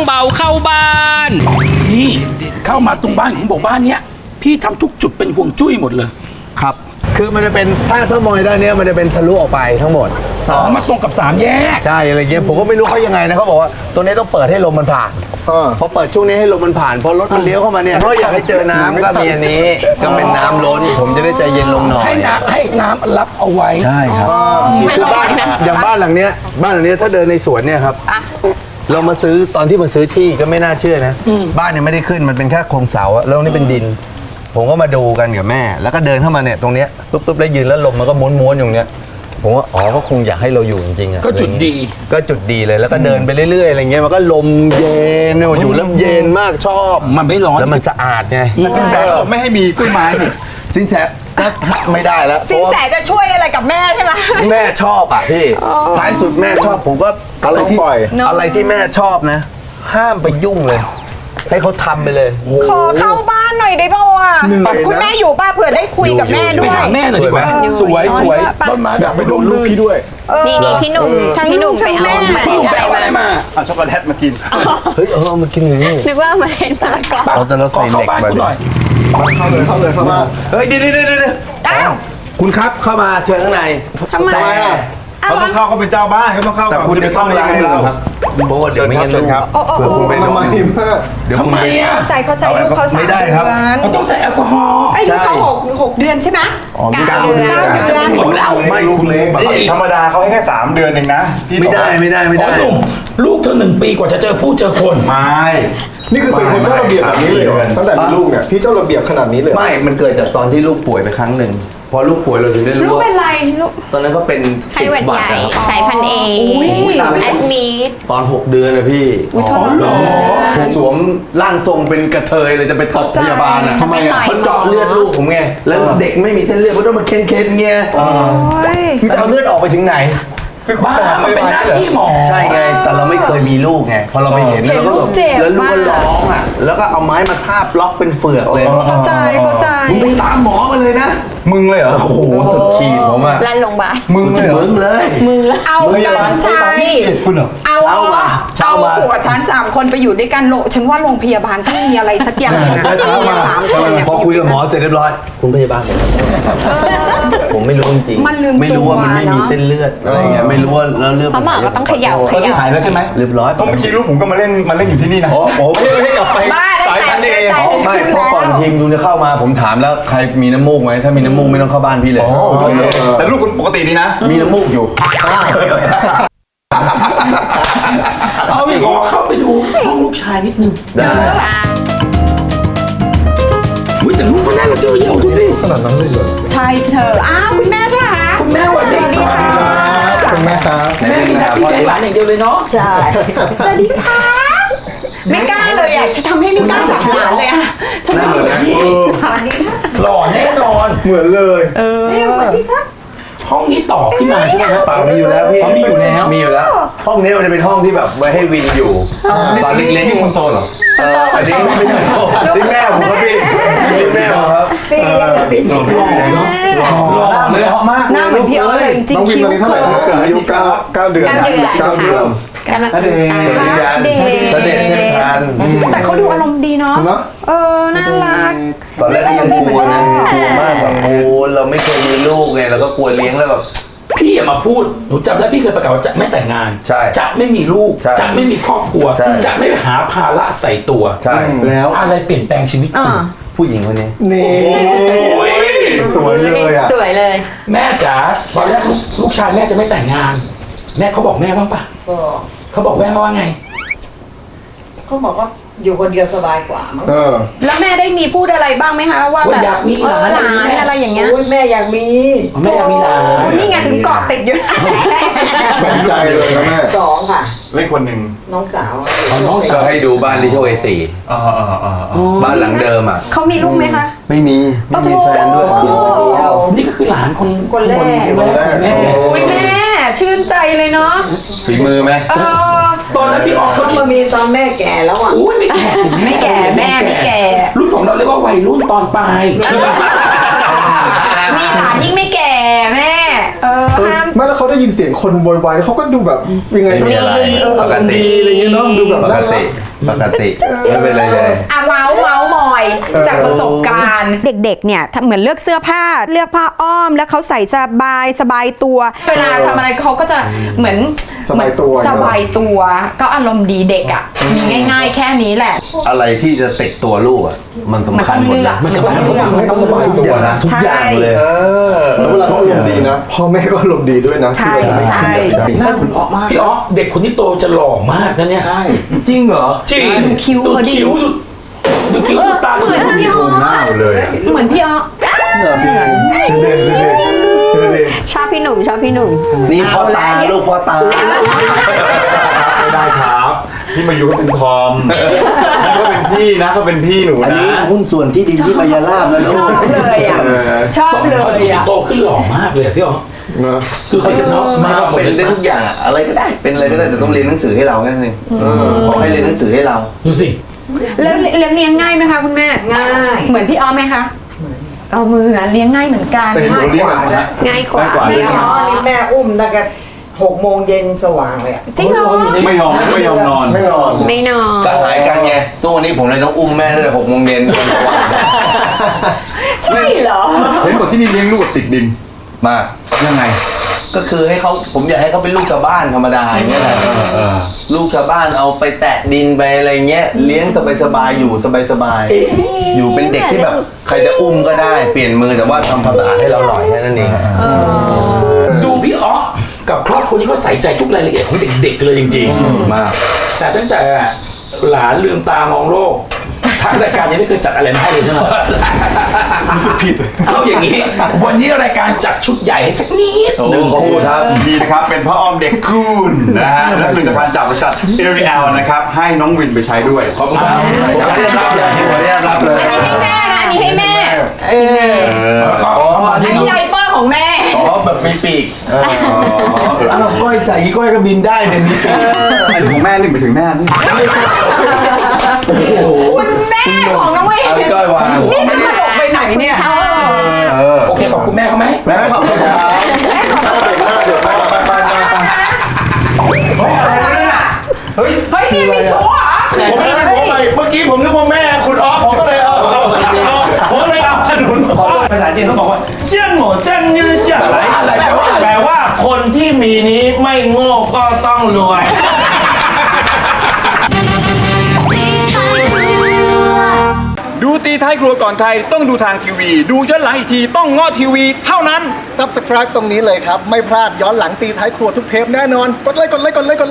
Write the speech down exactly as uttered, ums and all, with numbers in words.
เบาเข้าบ้านนี่เข้ามาตรงบ้านของบอกบ้านเนี้ยพี่ทำทุกจุดเป็นห่วงจุ้ยหมดเลยครับคือมันจะเป็นถ้าถ้ามองด้านนี้มันจะเป็นทะลุออกไปทั้งหมดอ๋อมาตรงกับสามแยกใช่อะไรเงี้ยผมก็ไม่รู้เขายังไงนะเขาบอกว่าตัวนี้ต้องเปิดให้ลมมันผ่านพอเปิดช่วงนี้ให้ลมมันผ่านพอรถมันเลี้ยวเข้ามาเนี่ยเพราะอยากให้เจอน้ำก็มีอันนี้ก็เป็นน้ำล้นผมจะได้ใจเย็นลงหน่อยให้น้ำให้น้ำรับเอาไว้ใช่ครับคือบ้านอย่างบ้านหลังเนี้ยบ้านหลังเนี้ยถ้าเดินในสวนเนี่ยครับเรามาซื้อตอนที่มาซื้อที่ก็ไม่น่าเชื่อนะบ้านเนี่ยไม่ได้ขึ้นมันเป็นแค่โครงเสาแล้วนี่เป็นดินผมก็มาดูกันกับแม่แล้วก็เดินเข้ามาเนี่ยตรงเนี้ยปุ๊บปุ๊บแล้วยืนแล้วลมมันก็ม้วนๆอยู่เนี้ยผมว่าอ๋อก็คงอยากให้เราอยู่จริงๆอะก็จุดดีก็จุดดีเลยแล้วก็เดินไปเรื่อยๆอะไรเงี้ยมันก็ลมเย็นอยู่แล้วเย็นมากชอบมันไม่ร้อนแล้วมันสะอาดไงสินแสบอกไม่ให้มีกล้วยไม้นี่สินแสก็ไม่ได้แล้วสินแสจะช่วยอะไรกับแม่ใช่ไหมแม่ชอบอ่ะพี่ท้ายสุดแม่ชอบผมก็อะไรที่อะไรที่แม่ชอบนะห้ามไปยุ่งเลยให้เขาทำไปเลยขอเข้าบ้านหน่อยได้ป่าวอ่ะคุณแม่อยู่ป้าเผื่อได้คุยกับแม่ด้วยไปหาแม่หน่อยดีกว่าสวยสวยต้นไม้อยากไปดูลูกพี่ด้วยนี่นี่พี่หนุ่มพี่หนุ่มไปเอาเมล็ดอะไรมาเอาช็อกโกแลตมากินเฮ้ยเออมากินอย่างนี้นึกว่าเมล็ดมะละกอเราแต่เราใส่เหล็กไปเข้าเลยเข้าเลยเข้ามาเฮ้ยเดี๋ยวเดี๋ยวเดี๋ยวอ้าวคุณครับเข้ามาเชิญข้างในทำไมอ่ะเขาต้องเข้าเขาเป็นเจ้าบ้านเขาต้องเข้าแต่คุณจะเข้าไม่ได้ครับเพราะว่าเดี๋ยวไม่งั้นลูกครับเผื่อคุณเป็นทำไมเดี๋ยวทำไมอ่ะเข้าใจเข้าใจลูกเขาสามเดือนเขาต้องใส่แอลกอฮอล์ไอ้ลูกเขาหกหกเดือนใช่ไหมเก้าเดือนเดือนไม่ลูกเล็กธรรมดาเขาให้แค่สามเดือนเองนะไม่ได้ไม่ได้ไม่ได้หนุ่มลูกเธอหนึ่งปีกว่าจะเจอผู้เจอคนไม่นี่คือเป็นคนเจ้าระเบียบแบบนี้เลยตั้งแต่มีลูกเนี่ยพี่เจ้าระเบียบขนาดนี้เลยไม่มันเกิดจากตอนที่ลูกป่วยไปครั้งหนึ่งพอลูกป่วยเราถึงได้รู้ลูกเป็นไรลูกตอนนั้นก็เป็นไข้หวัดใหญ่สายพันธุ์เอแอดมิดตอนหกเดือนนะพี่อ๋อเหรอผมสวมร่างทรงเป็นกระเทยเลยจะไปตบพยาบาลอ่ะทำไมอ่ะเขาเจาะเลือดลูกผมไงแล้วเด็กไม่มีเส้นเลือดเขาต้องมาเค้นๆเงี้ยมันจะเอาเลือดออกไปถึงไหนคือบ้ามันเป็นหน้าที่หมอใช่ไงแต่เราไม่เคยมีลูกไงพอเราไปเห็นแล้วก็แล้วลูกก็ร้องอ่ะแล้วก็เอาไม้มาทาบล็อกเป็นเฟือกเลยเข้าใจเข้าใจมึงไปตามหมอกันเลยนะมึงเลยเหรอโอ้โหสุดขีดผมอ่ะลั่นลงบามึงเลยมึงเลยมึงเอากันชัยคุณเหรอเอาเอาเอาผัวฉันสามคนไปอยู่ด้วยกันโลฉันว่าโรงพยาบาลต้องมีอะไรสักอย่างสามคนพอคุยกับหมอเสร็จเรียบร้อยคุณพยาบาลผมไม่รู้จริงไม่รู้ว่ามันไม่มีเส้นเลือดอะไรเงี้ยไม่รู้ว่าแล้วเลือดเขาบอกก็ต้องเขย่าเขย่าหายแล้วใช่ไหมเรียบร้อยเพราะเมื่อกี้ลูกผมก็มาเล่นมาเล่นอยู่ที่นี่นะโอ้โหให้กลับไปสายพันธุ์เองไม่เพราะก่อนทีมดูจะเข้ามาผมถามแล้วใครมีน้ำมูกไหมถ้ามีน้ำมูกไม่ต้องเข้าบ้านพี่เลยแต่ลูกคุณปกติดีนะมีน้ำมูกอยู่เอาไปขอเข้าไปดูห้องลูกชายนิดนึงได้อุ้ยแต่ลูกก็น่ารักเจอเยอะดูสิขนาดนั้นเลยเหรอใช่เธออ้าวคุณแม่ใช่ไหมคะคุณแม่วันนี้ค่ะคุณแม่ครับแม่มีหน้าที่เลี้ยงหลานอย่างเดียวเลยเนาะใช่สวัสดีค่ะไม่กล้าเลยอ่ะจะทำให้ไม่กล้าจับหลานเลยอ่ะทำไมเหมือนกันหล่อแน่นอนเหมือนเลยเออสวัสดีครับห้องนี้ต่อขึ้นมาใช่ไหมครับเปล่ามีอยู่แล้วพี่มีอยู่แล้วมีอยู่แล้วห้องนี้มันจะเป็นห้องที่แบบไว้ให้วินอยู่ตอนเล็กๆที่คอนโซลเหรอเอออันนี้ไม่ใช่ที่แม่ผมครับพี่ที่แม่ผมครับพี่เลี้ยงกับพี่หล่อเนาะหล่อเลยหล่อมากหน้าเหมือนพี่เอ๋ยจริงคิ้วเท่าไหร่เกิดอายุเก้าเก้าเดือนเก้าเดือนกำลังเด็กเด็กเด็กเด็กทันแต่เขาดูอารมณ์ดีเนาะเออน่ารักตอนแรกยังกลัวนะกลัวมากแบบโอ้เราไม่เคยมีลูกไงเราก็กลัวเลี้ยงแล้วแบบพี่อย่ามาพูดหนูจำได้พี่เคยประกาศว่าจะไม่แต่งงานจะไม่มีลูกจะไม่มีครอบครัวจะไม่หาภาระใส่ตัวใช่แล้วอะไรเปลี่ยนแปลงชีวิตคุณผู้หญิงคนนี้นี่สวยเลยอ่ะสวยเลยแม่จ๋าตอนแรกลูกชายแม่จะไม่แต่งงานแม่เขาบอกแม่บ้างปะเขาบอกแม่ว่าไงเขาบอกว่าอยู่คนเดียวสบายกว่ามั้งแล้วแม่ได้มีพูดอะไรบ้างไหมคะว่าแบบอยากมีหลานอะไรอย่างเงี้ยแม่อยากมีแม่อยากมีหลานนี่ไงถึงเกาะติดอยู่สนใจเลยนะแม่สองค่ะเล่นคนหนึ่งน้องสาวน้องสาวให้ดูบ้านที่โชว์เอสี่บ้านหลังเดิมอ่ะเขามีลูกไหมคะไม่มีไม่มีแฟนด้วยคือคนเดียวนี่ก็คือหลานคนคนแรกแม่โอ้ยแม่ชื่นใจเลยเนาะฝีมือไหมตอนนั้นพี่ออกเขามามีตอนแม่แก่แล้วอ่ะอุ้ยไม่แก่ไม่แก่แม่ไม่แก่รุ่นของเราเรียกว่าวัยรุ่นตอนปลายมีหลานยิ่งไม่แก่แม่เออไม่แล้วเขาได้ยินเสียงคนโวยวายเขาก็ดูแบบยังไงไม่มีอะไรปกติอะไรเงี้ยเนาะดูแบบปกติปกติไม่เป็นไรเลยอ่ะเมาส์เมาส์มอยจากประสบการณ์ เด็กๆเนี่ยเหมือนเลือกเสื้อผ้าเลือกผ้าอ้อมแล้วเขาใส่สบายสบายตัว เวลาทำอะไรเขาก็จะเหมือนสบายตัวสบายตัวก็อารมณ์ดีเด็กอ่ะมีง่ายๆแค่นี้แหละอะไรที่จะติดตัวลูกอ่ะมันสำคัญหมดนะมันสำคัญทุกอย่างให้เขาสบายตัวนะทุกอย่างเลยแล้วเวลาเขาอารมณ์ดีนะพ่อแม่ก็อารมณ์ดีด้วยนะใช่ใช่หน้าคุณอ๊อมากพี่อ๊อฟเด็กคนที่โตจะหล่อมากนะเนี่ยจริงเหรอจริงดูคิ้วดูเขาดิคิ้วดูดูคิ้วดูตาดูเหมือนพี่โครงหน้าหมดเลยอะเหมือนพี่อ๊อจริงดูดิดูดิดูดิชอบพี่หนุ่มชอบพี่หนุ่มนี่พ่อตาลูกพ่อตาไม่ได้ครับพี่มายุเขาเป็นทอมนี่ก็เป็นพี่นะเขาเป็นพี่หนูอันนะนี้หุ้นส่วนที่ดินที่มายาลาบนะลูกเลยอ่ะชอบเลยเขาดูสิอ่ะโตขึ้นหล่อมากเลยอะพี่อ๊อฟนะคือเขาจะเนาะมาเขาหมดเป็นเลยได้ทุกอย่างอะอะไรก็ได้เป็นอะไรก็ได้แต่ต้องเรียนหนังสือให้เราแค่นั้นเองขอให้เรียนหนังสือให้เราดูสิแล้วเลี้ยงเลี้ยงง่ายไหมคะคุณแม่ง่ายเหมือนพี่อ๊อไหมคะเอามือเลี้ยงง่ายเหมือนกันแต่เห็นหนูเรียกอะไรนะง่ายกว่าง่ายกว่าไม่เลยยอมนี่แม่อุ้มตั้งแต่หกโมงเย็นสว่างเลยอะจริงเหรอไม่ยอมไม่ยอมนอนไม่นอนไม่นอนก็หายกันไงทุกวันนี้ผมเลยต้องอุ้มแม่ตั้งแต่หกโมงเย็นจนสว่างใช่เหรอเห็นบอกที่นี่เลี้ยงลูกแบบติดดินมากยังไงก็คือให้เขาผมอยากให้เขาเป็นลูกชาวบ้านธรรมดาอย่างเงี้ยแหละลูกชาวบ้านเอาไปแตะดินไปอะไรเงี้ยเลี้ยงสบายๆอยู่สบายๆอยู่เป็นเด็กที่แบบใครจะอุ้มก็ได้เปลี่ยนมือแต่ว่าทำความสะอาดให้เราหน่อยแค่นั้นเองดูพี่อ๊อฟกับครอบครัวนี้เขาใส่ใจทุกรายละเอียดของเด็กๆเลยจริงมากๆ แต่ตั้งแต่หลานลืมตามองโลกทางรายการยังไม่เคยจัดอะไรมาให้เลยใช่ไหมรู้สึกผิดเอาอย่างนี้ วันนี้รายการจัดชุดใหญ่ให้สักนิดโอ้ขอบคุณครับดีนะครับเป็นพ่ออ้อมเด็กคุณนะฮะและผลิตภัณฑ์จากบริษัทเอริแอลนะครับให้น้องวินไปใช้ด้วยขอบคุณครับผมจะได้รับเลยผมจะได้รับเลยอันนี้ให้แม่นะอันนี้ให้แม่เอออ๋ออัอันนนี้นี้ไดเปอร์ของแม่อ๋อแบบมีปีกอ้าวก้อยใส่กี่ก้อยก็บินได้เนี่ยมีปีกไอ้ของแม่นี่ไปถึงแม่นี่คุณแม่ของน้องเวเอาก้อยวางนี่จะตลกไปไหนเนี่ยเออโอเคขอบคุณแม่เขาไหมแม่ขอบคุณครับเดี๋ยวแม่ไปไปไปไปเฮ้ยเฮ้ยนี่มีชู้เหรอผมไม่ได้ผมไปเมื่อกี้ผมนึกว่าแม่คุณออฟผมก็เลยเอาเอาเอาผมก็เลยเอาขนุนขอภาษาจีนเขาบอกว่าเชี่ยนหมูเส้นยืดเชี่ยอะไรอะไรแปลว่าอะไรแปลว่าคนที่มีนี้ไม่โง่ก็ต้องรวยดูตีท้ายครัวก่อนใครต้องดูทางทีวี ดูย้อนหลังอีกทีต้องง้อทีวีเท่านั้น Subscribe ตรงนี้เลยครับ ไม่พลาดย้อนหลังตีท้ายครัวทุกเทปแน่นอน กดไลค์กดไลค์กดไลค์กด